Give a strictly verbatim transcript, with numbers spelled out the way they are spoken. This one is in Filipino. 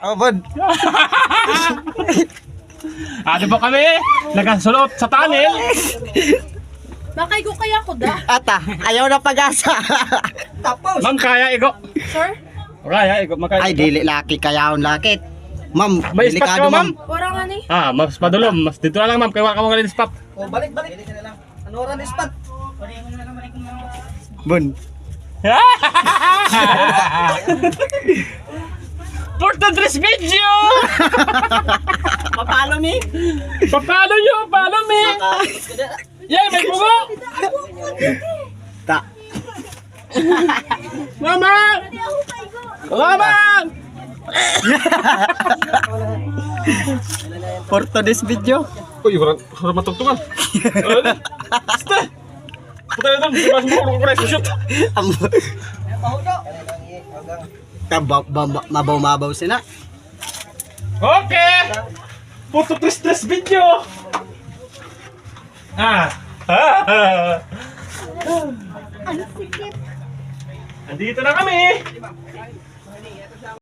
Oh, bud. Ano ba kami? Nagasulot sa tunnel. Bakay ko kaya ko da. Ata, ayaw na pag-asa. Tapos. Ma'am, kaya igo. Sir? Kaya igo, makaya. Ay, dili laki kayaon lakit. Ma'am, May spot delikado, ka, ma'am? Wala nga ni. Ah, mas madulom. Mas dito na lang, ma'am. Kaya wala ka mga linis spot. Oh, balik, balik. Dili ka na lang. Ano oras ni spot? Bun. For today's video! Papalo ni? Papalo nyo! Papalo me! Yay, may bungo! Ta. Mama! Mama! For today's video. Uy, harap harap matugtungan. Basta! Puta na doon, diba sumulong ko na shoot. Tabaw, mabaw-mabaw sila. Okay! Photo tres-tres video! Ah! Ah! Andito na kami!